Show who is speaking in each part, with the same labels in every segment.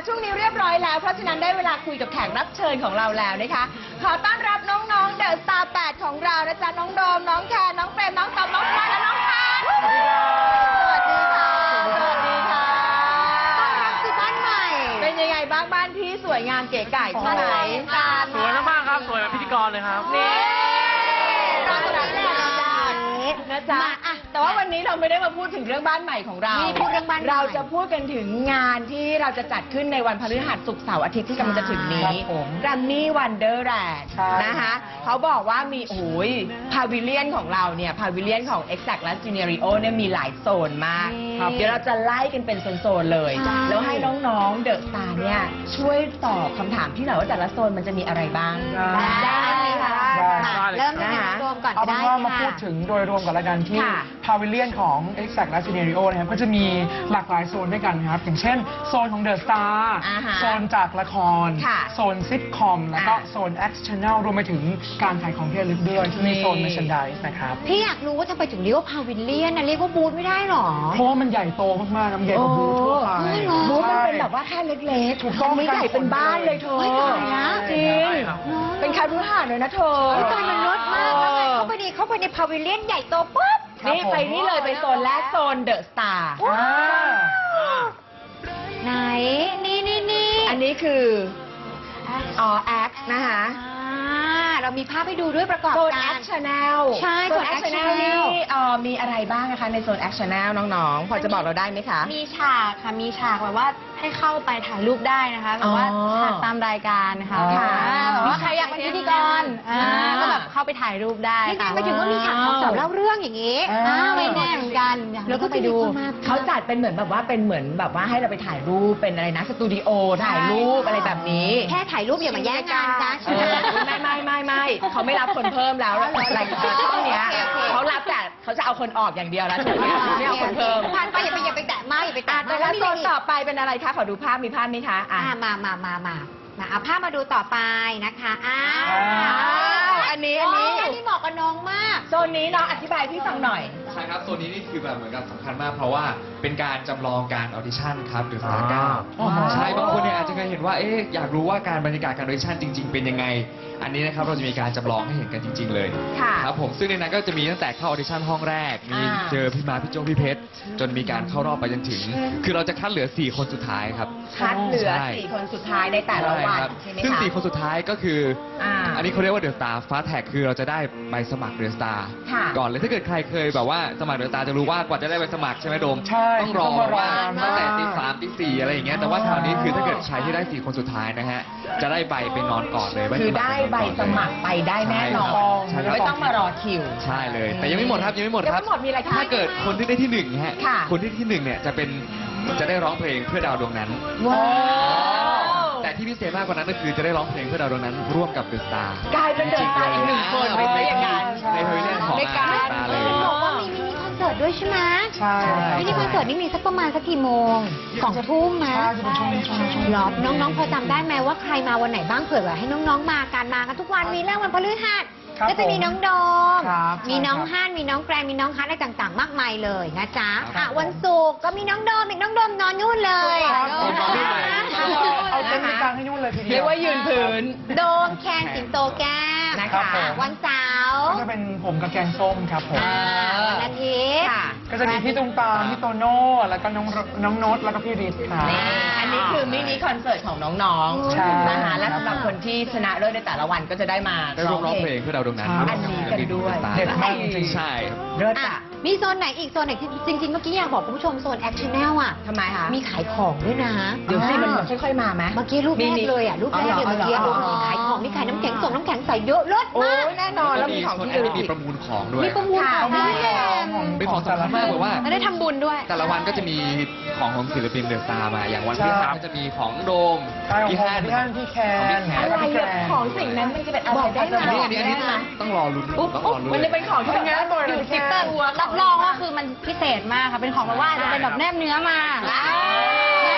Speaker 1: ช่วงนี้เรียบร้อยแล้วเพราะฉะนั้นได้เวลาคุยกับแขกรับเชิญของเราแล้วนะคะขอต้อนรับน้องๆเดอะสตาร์8ของเรานะจ๊ะน้องโดมน้องแคนน้องเฟรมน้องตอมน้องพลอยและน้องพันสวัสดีค่ะสวัสดีค่ะต้อนรับสู่บ้านใหม่เป็นยังไงบ้างบ้านพี่สวยงามเก๋ไก่ใช่ไหม
Speaker 2: สวยมากๆครับสวยแบบพิธีกรเลยครับ
Speaker 1: นี่ต้อนรับนะจ๊ะแต่ว่าวันนี้เราไม่ได้มาพูดถึงเรื่องบ้านใหม่ของเรา
Speaker 3: พูดเรื่องบ้าน
Speaker 1: เราจะพูดกันถึงงานที่เราจะจัดขึ้นในวันพฤหัสศุกร์เสาร์อาทิตย์ที่กำลังจะถึงนี้แกรมมี่วันเดอร์แลนด์นะคะเขาบอกว่ามีพาวิเลียนของเราเนี่ยพาวิเลียนของ Exact และ Scenario เนี่ยมีหลายโซนมากเดี๋ยวเราจะไล่กันเป็นโซนๆเลยแล้วให้น้องๆเดอะสตาร์เนี่ยช่วยตอบคำถามที่หน่อยว่าแต่ละโซนมันจะมีอะไรบ้าง
Speaker 3: ได้ค่ะเริ่มจากรวมก่อนก็ได้ค่ะ
Speaker 2: มาพูดถึงโดยรวมก่อนละกันที่พาวิเลียนของ Exact และ Scenario นะครับก็จะมีหลากหลายโซนด้วยกันครับอย่างเช่นโซนของ The Star โซนจากละครโซนซิทคอมแล้วก็โซน X Channel รวมไปถึงการขายของที่ระลึกด้วยที่มีโซน Merchandise นะครับ
Speaker 3: พี่อยากรู้ว่าทำไมถึงเรียกว่าพาวิเลียนนะเรียกว่าบูธไม่ได้หรอ
Speaker 2: เพราะว่ามันใหญ่โตมากๆมันใหญ่กว่าบูธทั่วไป
Speaker 1: บูธมันเป็นแบบว่าแค่เล็กๆถูกต้องไม่ใหญ่เป็นบ้านเลยเธอจริงเป็นคารุหาเลยนะเธอ
Speaker 3: ตอนมันรถมากแล้วไงเข้าไปในพาวิเลียนใหญ่โตปุ๊บ
Speaker 1: นี่ไปนี่เลยไปโซนแรกโซนเดอะสตาร์
Speaker 3: ไหนนี่
Speaker 1: อันนี้คือแอคนะคะ
Speaker 3: เรามีภาพให้ดูด้วยประกอบ
Speaker 1: โซนแอคชั่นแนล
Speaker 3: ใช่
Speaker 1: โซนแอคชั่นแนลนี่มีอะไรบ้างนะคะในโซนแอคชั่นแนลน้องๆพอจะบอกเราได้ไหมคะ
Speaker 4: มีฉากค่ะมีฉากแบบว่าให้เข้าไปถ่ายรูปได้นะคะแบบว่าฉากตามรายการนะคะแบบว่าใครอยากเป็นพิธีกรก็แบบเข้าไปถ่ายรูปได้
Speaker 3: ค่ะไปถึงว่ามีฉากของสาวเล่าเรื่องอย่างนี้
Speaker 4: ไม่แน่เหมือนกัน
Speaker 3: แล้วก็ไปดู
Speaker 1: เขาจัดเป็นเหมือนแบบว่าเป็นเหมือนแบบว่าให้เราไปถ่ายรูปเป็นอะไรนะสตูดิโอถ่ายรูปอะไรแบบนี้
Speaker 3: แค่ถ่ายรูปอย่ามาแย่งกันนะ
Speaker 1: ไม่เขาไม่รับคนเพิ่มแล้วรายการช่องเนี้ยเขารับแต่เขาจะเอาคนออกอย่างเดียวแล้วไม่เอาคนเพิ่ม
Speaker 3: ผ่านไปอย่าไปแตะมากอย่าไปแตะมาก
Speaker 1: แล้วโซนต่อไปเป็นอะไรคะขอดูภาพมีภาพไหมคะ
Speaker 3: มาเอาภาพมาดูต่อไปนะคะ
Speaker 1: อันนี้
Speaker 3: เหมาะกับน้องมาก
Speaker 1: โซนนี้น้องอธิบายพี่ฟังหน่อย
Speaker 5: ใช่ครับโซนนี้นี่คือแบบเหมือนกับสำคัญมากเพราะว่าเป็นการจำลองการออดิชั่นครับหรือสถานการณ์ใช่บางคนเนี่ยอาจจะเคยเห็นว่าอยากรู้ว่าการบรรยากาศการออดิชั่นจริงๆเป็นยังไงอันนี้นะครับเราจะมีการจำลองให้เห็นกันจริงๆเลยครับผมซึ่งในนั้นก็จะมีตั้งแต่เข้าออดิชั่นห้องแรกมีเจอพี่มาพี่โจ้พี่เพชรจนมีการเข้ารอบไปจนถึงคือเราจะคัดเหลือ4คนสุดท้ายครับ
Speaker 1: คัดเหลือ4คนสุดท้ายในแต่ละวัน
Speaker 5: ซึ่ง4คนสุดท้ายก็คืออันนี้เขาเรียกว่าเดอะสตาร์ฟ้าแท็กคือเราจะได้ใบสมัครเดอะสตาร์ก่อนเลยถ้าเกิดใครเคยแบบว่าสมัครเดอะสตาร์จะรู้ว่ากว่าจะได้ใบสมัครใช่ไหมโดมต้องรอว่าตั้งแต่ตี 3 ตี 4อะไรอย่างเงี้ยแต่ว่าคราวนี้คือถ้าเกิดใครที่ได้4คนสุดท้ายนะฮะจะได้ใบไปนอนก่อนเลย
Speaker 1: คือได้ใบสมัครไปได้แน่นอนไม่ต้องมารอคิว
Speaker 5: ใช่เลยแต่ยังไม่หมดครับยังไม่หมดครับ
Speaker 1: มีอะไรคะ
Speaker 5: ถ้าเกิดคนที่ได้ที่1ฮะคนที่1เนี่ยจะได้ร้องเพลงเพื่อดาวดวงนั้นแต่ที่พิเศษมากกว่านั้นก็คือจะได้ร้องเพลงเพื่อดาวดวงนั้นร่วมกับเดอะสตาร์
Speaker 1: กลายเป็นเดอะสตาร์อีก1คนไปซะอย่างนั้น
Speaker 5: ในพาวิเลียนของเดอะสตาร์เลย
Speaker 3: บอกว่ามีมินิคอนเสิร์ตด้วยใช่ไหม
Speaker 2: ใช่
Speaker 3: มินิคอนเสิร์ตนี่มีสักประมาณสักกี่โมง2 ทุ่มนะหรอน้องๆพอจำได้ไหมว่าใครมาวันไหนบ้างเผื่อให้น้องๆมากันทุกวันมีเรื่องวันพฤหัสก็จะมีน้องโดมมีน้องฮั่นมีน้องแกรนมีน้องฮัทอะไรต่างๆมากมายเลยนะจ๊ะวันศุกร์ก็มีน้องโดมอีกน้องโดมนอนนู่นเลย
Speaker 2: เอาเต็นท์ไปกางให้นู่นเลยทีเดียว
Speaker 1: เรียกว่ายืนพื้น
Speaker 3: โดมแคนสิงโตแก้มนะคะวันเสาร์
Speaker 2: ก็จะเป็นผมกับแกงส้มครับผม
Speaker 3: วันอาทิตย์
Speaker 2: ก็จะมีพี่ตุ้มตามพี่โตโน่แล้วก็น้องโน้ตแล้วก็พี่ฤทธิ์ค่ะ
Speaker 1: อันนี้คือมินิคอนเสิร์ตของน้องๆนะคะและสำหรับคนที่ชนะเลิศในแต่ละวันก็จะได้มา
Speaker 5: ร้องเพลงเพื่อดาวดวงนั้น
Speaker 1: อันนี้กันด้วย
Speaker 2: เด็ดมากจริง
Speaker 5: ใช่
Speaker 1: เลิศอ่ะ
Speaker 3: มีโซนไหนอีกโซนไหนที่จริงๆเมื่อกี้อยากบอกคุณผู้ชมโซนแอคชั่นแนลอ่ะ
Speaker 1: ทำไมคะ
Speaker 3: มีขายของด้วยนะ
Speaker 1: เดี๋ยวสิมันค่อยๆมาไหม
Speaker 3: เมื่อกี้รูปแรกเลยอ่ะรูปแรกเดี๋ยวเมื่อกี้ดูขายของนี่ขายน้ำแข็งส่งน้ำแข็งใส่เยอะเลิศมาก
Speaker 1: แน่นอนแล้วมีของที่
Speaker 5: ระลึกมีประมูลของด้วย
Speaker 3: มีประมูลของ
Speaker 5: เป็นของสำคัญมากเลยว่า
Speaker 4: ได้ทำบุญด้วย
Speaker 5: แต่ละวันก็จะมีของศิลปินเดอะสตาร์มาอย่างวันที่5ก็จะมีของโดม
Speaker 2: พี่ฮั่นพี่แคน
Speaker 1: อะไรของสิ่งนั้นมันจะเป็นอะไรได้ไหม
Speaker 5: อันนี้ต้องรอลุ้น
Speaker 1: มันจะเป็นของที่เป็นงานบริษัท
Speaker 4: ตัวรับรองว่าคือมันพิเศษมากค่ะเป็นของแบบว่าจะเป็นแบบแนบเนื้อมา
Speaker 3: งั้นเล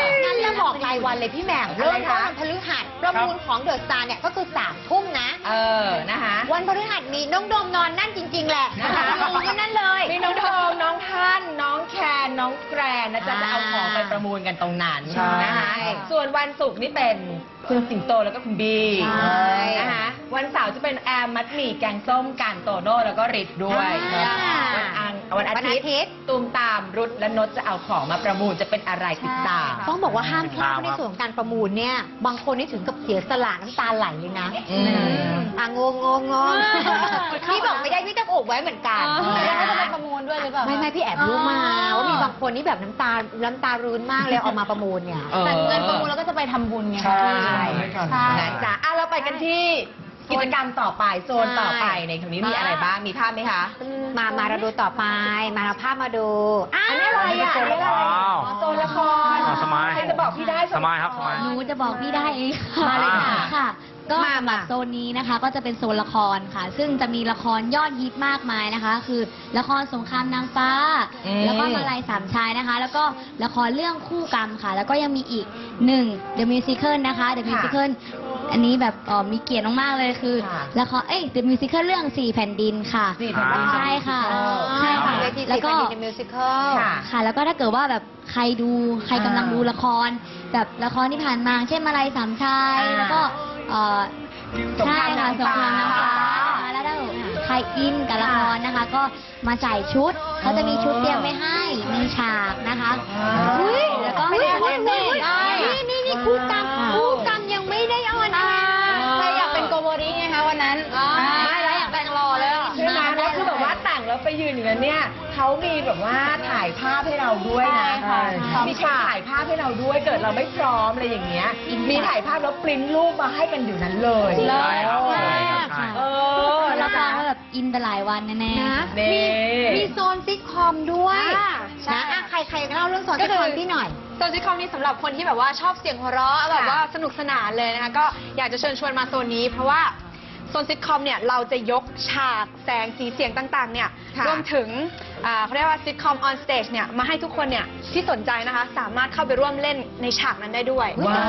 Speaker 3: จะบอกรายวันเลยพี่แหม่มเริ่มต้นวันพฤหัสประมูลของเดอะสตาร์เนี่ยก็คือ3 ทุ่มนะ
Speaker 1: นะคะ
Speaker 3: วันพฤหัสมีน้องโดมนอนนั่นจริง ๆ แหละนะคะรู้กันนั่นเลย
Speaker 1: มีน้องโดมน้องท่านน้องแคนน้องแกรนนะจ๊ะจะเอาของไปประมูลกันตรงนั้น
Speaker 2: ใช่
Speaker 1: นะคะส่วนวันศุกร์นี่เป็นคุณสิงโตแล้วก็คุณบี
Speaker 3: ใช่
Speaker 1: นะคะวันเสาร์จะเป็นแอมมัดหมี่แกงส้มการโตโน่แล้วก็ริดด้วย วันอาทิตย์ตูมตามรุดและนดจะเอาของมาประมูลจะเป็นอะไรติดตาม
Speaker 3: ต้องบอกว่าห้ามพลาดในส่วนของการประมูลเนี่ยบางคนนี่ถึงกับเสียสละน้ำตาไหลเลยนะ งงพี่บอกไม่ได้พี่ต้องอกไว้เหมือนกัน
Speaker 4: แล้วเขาจะไปประมูลด้วยหรือเปล่า
Speaker 3: ไม่พี่แอบรู้มาว่ามีบางคนนี่แบบน้ำตารื้นมากเลยเอามาประมูลเนี่ย
Speaker 4: แต่เงินประมูลแล้วก็จะไปทำบุญไง
Speaker 2: ใช่
Speaker 4: ใช่
Speaker 1: นะจ๊ะเราไปกันที่กิจกรรมต่อไปโซนต่อไปในตรงนี้มีอะไรบ้างมีภาพไหมคะ
Speaker 3: มาเราดูต่อไปมาเราภาพมาดู
Speaker 1: อันนี้อะไรอ่ะอันนี้อะไร
Speaker 6: ว้าว
Speaker 1: โซนละคร
Speaker 6: สมัย
Speaker 1: ใครจะบอกพี่ได้
Speaker 6: สมัยครับสมัย
Speaker 7: หนูจะบอกพี่ได้เอง
Speaker 1: มาเลยค่ะ
Speaker 7: ค่ะ ก็
Speaker 3: มา
Speaker 7: สำหรับโซนนี้นะคะ ก็จะเป็นโซนละครค่ะ ซึ่งจะมีละครยอดฮิตมากมายนะคะ คือละครสงครามนางฟ้า แล้วก็มาลัยสามชายนะคะ แล้วก็ละครเรื่องคู่กรรมค่ะ แล้วก็ยังมีอีกหนึ่ง The Musical นะคะ The Musical อันนี้แบบมีเกียรติมากๆเลยคือ
Speaker 1: ค่ะ
Speaker 7: ละครThe Musical เรื่อง4แผ่นดินค่ะ
Speaker 1: 4แผ่นดิน
Speaker 7: ใช่ค่ะใช่ค่ะ
Speaker 3: เวที
Speaker 7: แล้วก็
Speaker 3: ในมิวสิควล
Speaker 1: ค่ะ
Speaker 7: ค่ะ แล้วก็ถ้าเกิดว่าแบบใครกำลังดูละคร แบบละครที่ผ่านมาเช่นมาลัยสามชาย แล้วก็
Speaker 1: สงคราม
Speaker 7: ใช่ค่ะ
Speaker 1: นาง
Speaker 7: สง
Speaker 1: ฟ้า
Speaker 7: ครามนางฟ้าแล้วถ้าใครอินกับละครนะคะ ก็มาใส่ชุดเขาจะมีชุดเตรียมไว้ให้มีฉากนะคะแล้วก็
Speaker 3: ไม่ได้
Speaker 7: คอสเพลย์
Speaker 3: นี่คู่กรรมยังไม่ได้ออนแอร์
Speaker 4: ใครอยากเป็นโกโบริไงคะวันนั้น
Speaker 1: ไม่แล้วอยากแต่งรอเลยใช่ไหมแล้วคือแบบว่าแต่งแล้วไปยืนอย่างนั้นเนี่ยเขามีแบบว่าถ่ายภาพให้เราด้วยนะ
Speaker 2: ใช่
Speaker 1: มีคนถ่ายภาพให้เราด้วยเกิดเราไม่พร้อมอะไรอย่างเงี้ยมีถ่ายภาพแล้วปริ้นรูปมาให้กันอยู่นั้นเลย
Speaker 7: เลิศ
Speaker 6: ใช่ครับ
Speaker 7: มากค่ะ
Speaker 1: เออ
Speaker 7: ละ
Speaker 1: นะ
Speaker 7: คร
Speaker 1: คะ
Speaker 7: ก็แบบอินไปหลายวันแน่
Speaker 3: นะ
Speaker 7: ๆ
Speaker 1: นี่
Speaker 3: มีโซนซิทคอมด้วย
Speaker 4: ใช่
Speaker 3: นะใครเล่าเรื่องโซนซิทคอมพี่หน่อย
Speaker 4: โซนซิทคอมนี่สำหรับคนที่แบบว่าชอบเสียงหัวเราะแบบว่าสนุกสนานเลยนะคะก็อยากจะเชิญชวนมาโซนนี้ เพราะว่าโซนซิทคอมเนี่ยเราจะยกฉากแสงสีเสียงต่างๆเนี่ย
Speaker 1: ค่ะ
Speaker 4: รวมถึงเขาเรียกว่าซิทคอมออนสเตจเนี่ยมาให้ทุกคนเนี่ยที่สนใจนะคะสามารถเข้าไปร่วมเล่นในฉากนั้นได้ด้วย
Speaker 1: ว้าว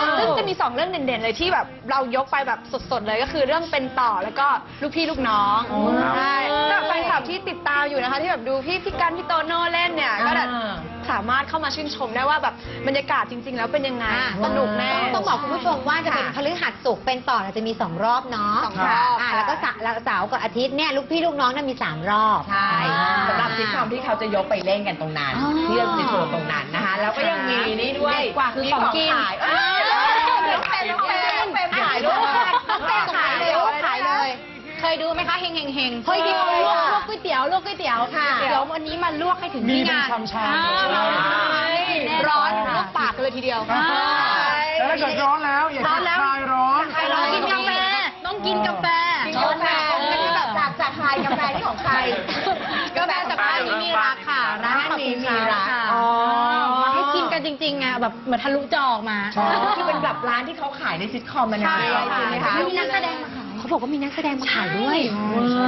Speaker 4: ซึ่งจะมี2เรื่องเด่นๆเลยที่แบบเรายกไปแบบสดๆเลยก็คือเรื่องเป็นต่อแล้วก็ลูกพี่ลูกน้องใช่สำหรับแฟนคลับที่ติดตามอยู่นะคะที่แบบดูพี่กันพี่โตโน่เล่นเนี่ยก็แบบสามารถเข้ามาชื่นชมได้ว่าแบบบรรยากาศจริง ๆ แล้วเป็นยังไงสนุกแน่
Speaker 3: ต้องบอกคุณผู้ชมว่าจะเป็นพฤหัสศุกร์เป็นต่อเนี่ยจะมี2 รอบเนาะ
Speaker 4: สองรอบ
Speaker 3: แล้วก็เสาร์กับอาทิตย์เนี่ยลูกพี่ลูกน้องเนี่ยมี3 รอบ
Speaker 1: ใช่สำหรับซิทคอมที่เขาจะยกไปเล่นกันตรงนั้น
Speaker 3: อ๋อ
Speaker 1: ที่เราจะโชว์ตรงนั้นนะคะ แล้วก็ยังมีนี่ด้วย
Speaker 4: คือ
Speaker 1: มี
Speaker 4: ของกิน
Speaker 1: ขายน้องเป็นขายด้วย
Speaker 3: น้องเป็นขายเลยขายเลย
Speaker 4: เคยดูไหมคะเฮงเฮงเฮง
Speaker 3: เคยดู
Speaker 4: ลวก
Speaker 3: ค่ะ
Speaker 4: ก๋วยเตี๋ยวลวกก๋วยเตี๋ยว
Speaker 1: ค่ะ
Speaker 4: เดี๋ยววันนี้มาลวกให้ถึง
Speaker 2: มี
Speaker 4: ที่
Speaker 2: เป็น
Speaker 4: งาน
Speaker 2: ชามๆ
Speaker 4: อ่า
Speaker 2: ใช่
Speaker 4: ร้อนลวกปากกันเลยทีเดียว
Speaker 2: แล้วถ้าเกิดร้อนแล้วอยากจะคลายร้อน
Speaker 1: คลายร้อน
Speaker 4: กินกาแฟต้องกินกาแฟ
Speaker 1: กินกาแฟจากใครกาแฟที่ของใคร
Speaker 4: กาแฟจากร้านนี้มีรักค่ะ
Speaker 1: ร้านนี้มีรัก
Speaker 4: ค่ะ
Speaker 1: อ๋อ
Speaker 4: มาให้กินกันจริงๆไงแบบเหมือนทะลุจอออกมา
Speaker 2: ใช่
Speaker 1: คือเป็นแบบร้านที่เขาขายในซิทคอมมันนะ
Speaker 4: ใช่
Speaker 1: ใช่ไหมคะ
Speaker 3: มีนักแสดงมาขายเขาบอกว่ามีนักแสดงมาขายด้วย
Speaker 1: ใช่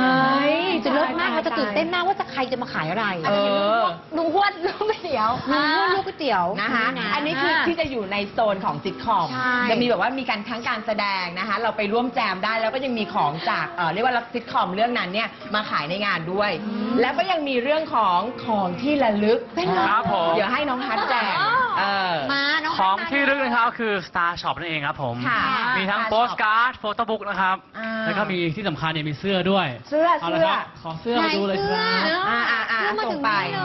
Speaker 3: จะเลิศมากเราจะตื่นเต้นมากว่าจะใครจะมาขายอะไร
Speaker 1: เออ
Speaker 4: ลุงหวดลุงก๋วยเตี๋ยว
Speaker 3: ลุงพูดลูกก๋วยเตี๋ยว
Speaker 1: นะคะ อันนี้คือที่จะอยู่ในโซนของซิทคอม
Speaker 3: ใช่
Speaker 1: จะมีแบบว่ามีการทั้งการแสดงนะคะ เราไปร่วมแจมได้แล้วก็ยังมีของจากเรียกว่าซิทคอมเรื่องนั้นเนี่ยมาขายในงานด้วย แล้วก็ยังมีเรื่องของที่ระลึก
Speaker 6: ครับผม
Speaker 1: เดี๋ยวให้น้องฮัทแจก
Speaker 3: มา น้อง
Speaker 6: ของ
Speaker 3: พัดมา
Speaker 6: ที่ลึกนะครับคือ Star Shop นั่นเองครับผม
Speaker 1: ค่ะ
Speaker 6: มีทั้ง
Speaker 1: Star
Speaker 6: โปสการ์ด โฟโต้บุ๊กนะครับ
Speaker 1: อ่า
Speaker 6: แล้วก็มีที่สำคัญเนี่ยมีเสื้อด้วย
Speaker 1: เสื้อ
Speaker 6: เอาละครับขอเสื้อมาดูเลยครับ
Speaker 3: เสื้อ
Speaker 1: อ่า
Speaker 3: มา
Speaker 1: ส่
Speaker 3: ถึ
Speaker 1: ง
Speaker 3: ง
Speaker 1: ไป
Speaker 3: นี่เลย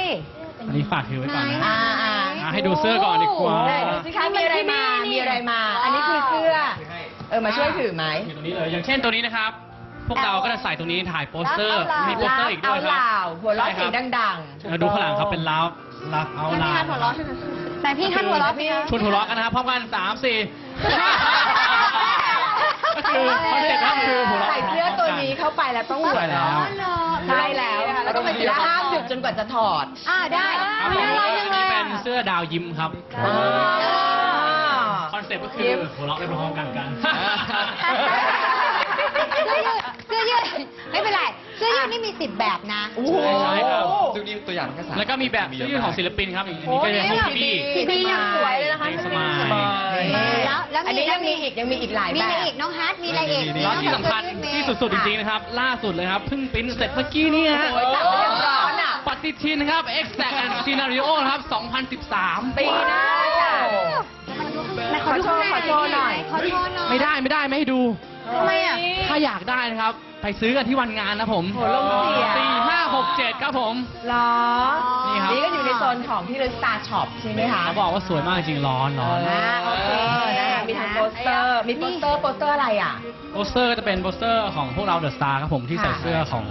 Speaker 6: อันนี้ฝากถือไว้ก่อนนะ
Speaker 3: ไหน
Speaker 6: ให้ดูเสื้อก่อนดีกว่า
Speaker 1: ไหนดูสิคะมีอะไรมา มีอะไรมา อันนี้คือเสื้อ มาช่วยถือไหม
Speaker 6: อยู่ตรงนี้เลย อย่างเช่นตัวนี้นะครับ พวกเราก็จะใส่ตรงนี้ถ่ายโปสเตอร์ มีโปสเตอร์อีกด้วยค
Speaker 1: ล
Speaker 6: รับ
Speaker 1: าวหัวเราะเสียงดัง
Speaker 6: ดูข้างหลังครับเป็นลาวลักเอาลาว
Speaker 4: แต่พี่ท่านหัวเราะพี่
Speaker 6: ชวนหัวเราะกันนะครับพร้อมกัน 3 4 ก็คือคอนเซ็ปต์ก็คือหัวเราะ
Speaker 1: ใส่เสื้อตัวนี้เข้าไปแล้วต้องหัว
Speaker 6: ใช่แล้ว
Speaker 1: เราะใช่แล้ว แล้วก็แล้วห้ามหยุดจนกว่าจะถอด
Speaker 3: ได้
Speaker 6: ครับผมอันนี้เป็นเสื้อดาวยิ้มครับ คอนเซ็ปต์ก็คือหัวเราะไปพร้อมๆกัน
Speaker 3: เสื้อยืดไม่เป็นไรเสื้อยืดนี่มี 10 แบบนะ
Speaker 1: โอ้โห
Speaker 6: ใช่ครับ
Speaker 5: ซึ่งนี่ตัวอย่างแค่3
Speaker 6: แล้วก็มีแบบเสื้อยืดของศิลปินครับอันนี้ก็จะของพี่
Speaker 4: พี่ยังสวยเลยนะคะ
Speaker 6: เพลงสมาย
Speaker 3: แล้ว
Speaker 1: อันนี้ยังมีอีกหลาย
Speaker 3: มี
Speaker 1: แบ
Speaker 3: อะไร
Speaker 1: บ
Speaker 3: อีกน้องฮัทมีอะไรอีก
Speaker 6: แล้วที่สำคัญที่สุดๆจริงๆนะครับ ล่าสุดเลยครับเพิ่งปริ้นเสร็จเมื่อกี้นี่ฮะ
Speaker 1: โอ้ยจับไปอย่างร้อนอ่ะ
Speaker 6: ปฏิทินครับ Exact and Scenario นะครับ 2013
Speaker 1: ปีหน้าจ้ะ ขอโชว์หน่อย
Speaker 3: ขอโชว์หน่อย
Speaker 6: ไม่ได้ไม่ให้ดู
Speaker 1: ทำไมอ่ะ
Speaker 6: ถ้าอยากได้นะครับ ไปซื้อกันที่วันงานนะผม
Speaker 1: โหลงเสีย
Speaker 6: 4 5 6 7 ครับผม
Speaker 1: เหรอ
Speaker 6: นี่ครับ
Speaker 1: นี่ก็อยู่ในโซนของที่เลือ Star Shop ใช่ไหมคะ
Speaker 6: เขาบอกว่าสวยมากจริงๆร้อน
Speaker 1: โอเคนะคะมีทั้งโปสเตอร์ มีโปสเตอร์อะไรอ่ะ
Speaker 6: โปสเตอร์จะเป็นโปสเตอร์ของพวกเราเดอะสตาร์ครับผมที่ใส่เสื้อของ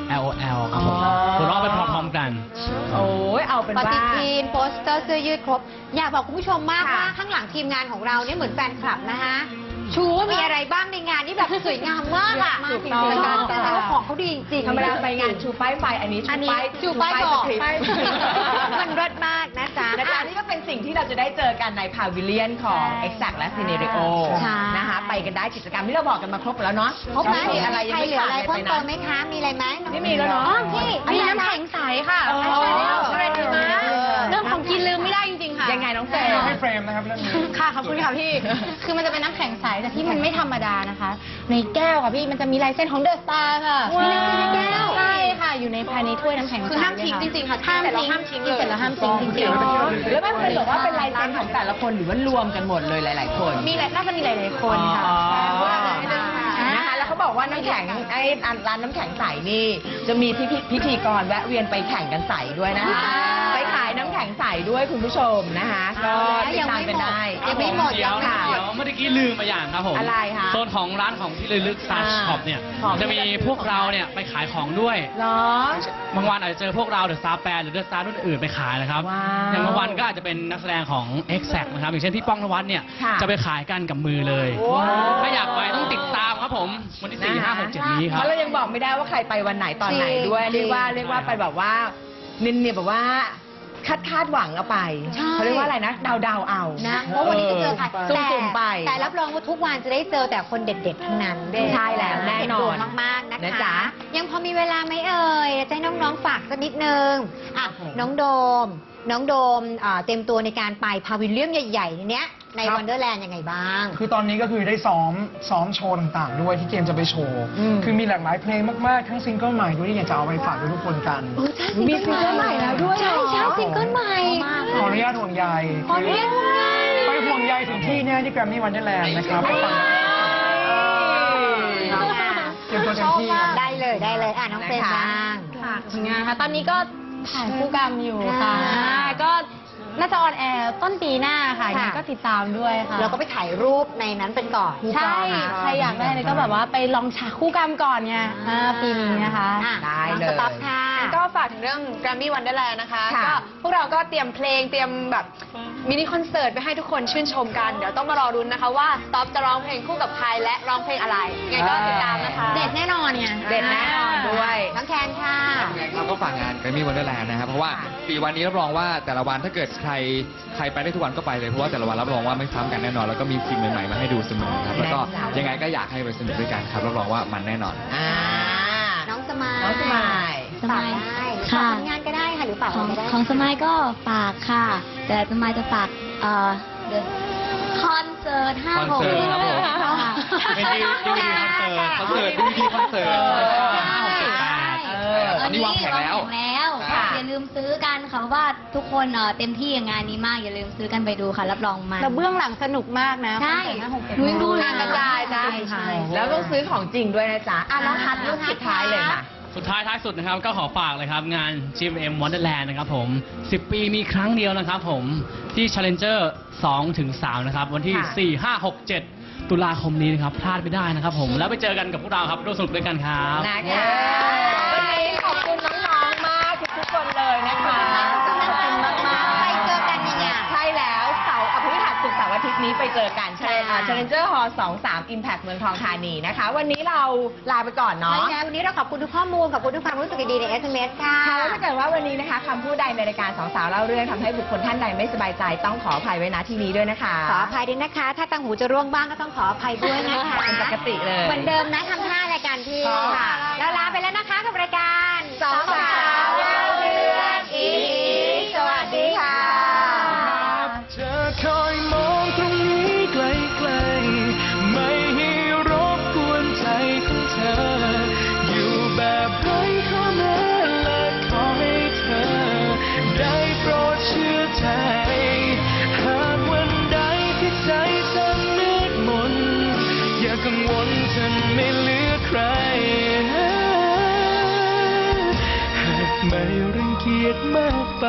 Speaker 6: LOL ครับผม
Speaker 1: อ๋อ
Speaker 6: หัวเราะไปพร้อมๆกัน
Speaker 1: โอ้ยเอาเป็น
Speaker 3: ป
Speaker 1: ว่า
Speaker 3: ฏิทินโปสเตอร์เสื้อยืดครบ อยากบอกคุณผู้ชมมาก
Speaker 1: ค่ะ
Speaker 3: ว่าข้างหลังทีมงานของเราเนี่ยเหมือนแฟนคลับนะคะชูว่ามีอะไรบ้างในงานที่แบบสวยงามมากอ่ะ
Speaker 1: ถูกต้อง
Speaker 3: แต่ว่าของเขาดีจริงๆ
Speaker 1: ธรรมดาไปงานชูป้ายไฟ อันนี้
Speaker 3: อันนี้
Speaker 1: ชู
Speaker 3: ชูป้ายบอก
Speaker 1: สคริปต์
Speaker 3: มันรสมากนะจ๊ะ
Speaker 1: นะจ๊ะนี่ก็เป็นสิ่งที่เราจะได้เจอกันในพาวิเลียนของ Exact และ Scenario
Speaker 3: ใช่
Speaker 1: นะคะ ไปกันได้กิจกรรมที่เราบอกกันมาครบหมดแล้วเนาะ
Speaker 3: ครบไหม
Speaker 1: มีอะไรยัง
Speaker 3: ใคร
Speaker 1: ไม่
Speaker 3: เหลือ
Speaker 1: ขาด
Speaker 3: อะไร
Speaker 1: เลย
Speaker 3: เพิ่
Speaker 1: ไป
Speaker 3: ม
Speaker 1: นะ
Speaker 3: เติมไหมคะ มีอะไรไหม
Speaker 1: ไม่มีแล้วเนาะ
Speaker 3: อ๋อพี่
Speaker 4: มีน้ำแข็งใสค่ะ
Speaker 1: อ๋อ
Speaker 4: ใช่เรื่องของกินลืมไม่ได้จริงๆค่ะ
Speaker 1: ยังไงน้องเฟร
Speaker 2: ให้เฟรมนะครับเรื่องนี้
Speaker 4: ค่ะขอบคุณค่ะพี่ คือมันจะเป็นน้ำแข็งใสแต่ที่มันไม่ธรรมดานะคะ ในแก้วค่ะพี่มันจะมีลายเส้นของเดอะสตาร์ค่ะ
Speaker 3: ว้าว
Speaker 4: ในแก้วใช่ค่ะอยู่ในภายในถ้วยน้ำแข็งใส
Speaker 3: คือห้ามทิ้งจริงๆค่ะ
Speaker 4: ห้าม
Speaker 3: แต่เรา
Speaker 4: ทิ้ง
Speaker 3: ห้ามทิ้ง
Speaker 4: กินเสร็จแล้วห้ามทิ้งจริงๆ
Speaker 1: แล้วมันเป็นแบบว่าเป็นลายเซ็นของแต่ละคนหรือว่ารวมกันหมดเลยหลาย ๆ คน
Speaker 4: น่าจะมีหลายๆคนค่ะ
Speaker 1: อ๋อ
Speaker 3: ใช่
Speaker 1: นะคะแล้วเขาบอกว่าน้ำแข็งไอ้ร้านน้ำแข็งใสนี่ จะมีพิธีกรแวะเวียนไปแข่งกันใสด้วยนะคะ ไปขายน้ำแข็งใสด้วยคุณผู้ชมนะคะก็ติดตามกันได้
Speaker 3: ยังไม่หมด
Speaker 6: เดี๋ยว
Speaker 3: ยังไม่หมด
Speaker 6: เดี๋ยวเมื่อกี้ลืมมาอย่างครับผม
Speaker 1: อะไรคะ
Speaker 6: โซนของร้านของที่ระลึก Star Shop เนี่ย
Speaker 1: ของ
Speaker 6: จะมีพวกเราเนี่ยไปขายของด้วย
Speaker 1: เหรอ
Speaker 6: บางวันอาจจะเจอพวกเราเดอะสตาร์แปดหรือเดอะสตาร์รุ่นอื่นไปขายนะครับ
Speaker 1: ว้าว
Speaker 6: อย่างบางวันก็อาจจะเป็นนักแสดงของ Exact นะครับ อย่างเช่นพี่ป้องนวัดเนี่ย
Speaker 1: ค่ะ
Speaker 6: จะไปขายกันกับมือเลย
Speaker 1: ว้าว
Speaker 6: ถ้าอยากไปต้องติดตามครับผม วันที่ 4 5 6 7 นี้ค
Speaker 1: เพ
Speaker 6: รับ
Speaker 1: ราะเรายังบอกไม่ได้ว่าใครไปวันไหนตอนไหนด้วย
Speaker 3: จริง
Speaker 1: เรียกว่าไปแบบว่านินเนี่ยแบบว่าคาดหวังเอาไป
Speaker 3: ใช่
Speaker 1: เขาเรียกว่าอะไรนะเดาเอา
Speaker 3: นะเพราะวันนี้จะเจอใคร
Speaker 1: สุ่มๆไป
Speaker 3: แต่รับรองว่าทุกวันจะได้เจอแต่คนเด็ดๆทั้งนั้น
Speaker 1: ใช่แล้วแน่นอน
Speaker 3: เด็ดดวงมากๆนะ
Speaker 1: นะคะ จ๊ะ
Speaker 3: ยังพอมีเวลาไหมเอ่ยจะให้น้องๆฝากสักนิดนึงอ่ะน้องโดมเต็มตัวในการไปพาวิลเลียมใหญ่ๆเนี้ยใน
Speaker 2: ครับ
Speaker 3: วันเดอร์แลนด์ยังไงบ้าง
Speaker 2: คือตอนนี้ก็คือได้ซ้อมโชว์ต่างๆด้วยที่เกมจะไปโชว์ คือมีหลากหลายเพลงมากๆ ทั้งซิงเกิลใหม่ด้วยที่อยากจะเอาไปฝากทุกคนกัน
Speaker 1: มีซิงเกิลใหม่แล้วด้วยเหรอ
Speaker 3: ใช่ซิงเกิลใหม่
Speaker 2: ขออนุญาตห่วงใย
Speaker 3: ขออนุญาตห่วงใย
Speaker 2: ไปห่วงใยถึงที่เนี่ยที่แกรมมี่วันเดอร์แลนด์นะครับไปฟังเตรียมตัวเต็มที่ครับ
Speaker 3: ได้เลยอ่ะน้องเฟรนบ้าง
Speaker 4: ค่ะผลงานค่ะ ตอนนี้ก็ถ่ายคู่กรรมอยู่ค่ะ
Speaker 3: อ่า
Speaker 4: ก็น่าจะออนแอร์ต้นปีหน้าค่ะยังไงก็ติดตามด้วยค่ะ
Speaker 3: เราก็ไปถ่ายรูปในนั้นเป็นก่อน
Speaker 4: ใช่ ใครอยากได้เลยก็แบบว่าไปลองฉากคู่กรรมก่อนไงปีนี้นะคะ
Speaker 3: อ่ะ
Speaker 1: ได้เลย
Speaker 3: สต๊อปค่ะ
Speaker 4: ก็ฝากถึงเรื่อง Grammy Wonderland นะคะ
Speaker 1: ค่ะ
Speaker 4: ก็พวกเราก็เตรียมเพลงเตรียมแบบมินิคอนเสิร์ตไปให้ทุกคนชื่นชมกัน เดี๋ยวต้องมารอรุ้นนะคะว่าต๊อปจะร้องเพลงคู่กับใครและร้องเพลงอะไรยังไงก็ติดตามนะคะ
Speaker 3: เด็ดแน่นอนไง
Speaker 1: เด็ดแน่นอนด้วย
Speaker 3: น้องแคนค่ะ
Speaker 5: ครับก็ฝากงาน Grammy Wonderland นะครับเพราะว่าปีวันนี้รับรองว่าแต่ละวันถ้าเกิดใครไปได้ทุกวันก็ไปเลยเพราะว่าแต่ละวันรับรองว่าไม่ซ้ำกันแน่นอน แล้วก็มีสิ่งใหม่ๆมาให้ดูเสมอครับแล้วก็
Speaker 1: แน่นอน
Speaker 5: ยังไงก็อยากให้ไปสนุกด้วยกันครับรับรองว่ามันแน่นอน
Speaker 1: อ่า
Speaker 3: น้องสมาย
Speaker 1: น้องสมาย
Speaker 7: สมาย
Speaker 3: ฝากได้
Speaker 7: ค่ะ
Speaker 3: ฝากผลงานก็ได้ค่ะหรือฝาก
Speaker 7: ของ
Speaker 3: อะไรก็ได้
Speaker 7: ของสมัยก็ฝากค่ะ แต่สมัยจะฝากคอนเสิร์ต5
Speaker 5: คอนเสิร์ตครับผม
Speaker 6: เป็นDVD คอนเสิร์ต
Speaker 5: คอนเสิร์ต DVD คอนเสิร์ต ตอนนี้วางแผนแล้ว
Speaker 7: ค่ะอย่าลืมซื้อกันค่ะเพราะว่าทุกคนเต็มที่กับงานนี้มาก อย่าลืมซื้อกันไปดูค่ะ รับรองมัน
Speaker 4: แต่เบื้องหลังสนุกมากนะ
Speaker 7: ใช่
Speaker 4: คอนเสิร์ต
Speaker 7: หนูยังดูเลย
Speaker 4: กระจายนะ
Speaker 7: ใช่
Speaker 1: แล้วต้องซื้อของจริงด้วยนะจ๊ะอ่ะน้องฮัทลูกสุดท้ายเลยค่ะ
Speaker 6: สุดท้ายสุดนะครับก็ขอฝากเลยครับงาน GMM Wonderland นะครับผม 10 ปีมีครั้งเดียวนะครับผมที่ Challenger 2-3 นะครับ วันที่
Speaker 1: ค่ะ
Speaker 6: 4 5 6 7 ตุลาคมนี้นะครับ พลาดไม่ได้นะครับผม แล้วไปเจอกันกับพวกเราครับร่วมสนุกด้วยกันครับ
Speaker 1: นะคะวันนี้ขอบคุณน้องๆ มากทุกๆคนเลยนะคะ
Speaker 3: ขอบคุณมากๆไปเจอกันยังไง
Speaker 1: ใช่แล้วเสาร์พฤหัสศุกร์เสาร์อาทิตย์นี้ไปเจอกันใช่
Speaker 3: ค่ะ
Speaker 1: Challenger Hall 23 Impact เมืองทองธานีนะคะ วันนี้เราลาไปก่อนเนาะ
Speaker 3: ไม่งั้นวันนี้เราขอบคุณทุกข้อมูลขอบคุณทุกความรู้สึกดีๆใน SMS ค่ะ
Speaker 1: ค่ะแล้วถ้าเกิดว่าวันนี้นะคะคำพูดใดในรายการสองสาวเล่าเรื่องทำให้บุคคลท่านใดไม่สบายใจต้องขออภัยไว้ณที่นี้ด้วยนะคะ
Speaker 3: ขออภัยด้วยนะคะ ถ้าตังหูจะร่วงบ้างก็ต้องขออภัยด้วยนะคะ
Speaker 1: เป็นปกติเลย
Speaker 3: เหมือนเดิมนะทำท่ารายการพี่
Speaker 2: ค่ะ
Speaker 3: แล้วลาไปแล้วนะคะกับรายการ
Speaker 1: สองสาวเล่าเรื่องอีสวัสดีค่ะ
Speaker 8: เธอคอยมองตรงนี้ไกลๆไม่ให้รบกวนใจของเธอ อยู่แบบไร้ข้อแม้และขอให้เธอ ได้โปรดเชื่อใจ หากวันใดที่ใจฉันมืดมน อย่ากังวลฉันไม่เหลือใคร หากไม่รังเกียจมากไป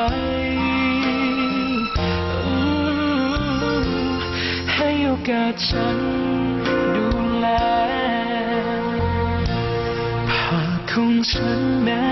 Speaker 8: ให้โอกาสฉันดูแลภาพของฉันแม้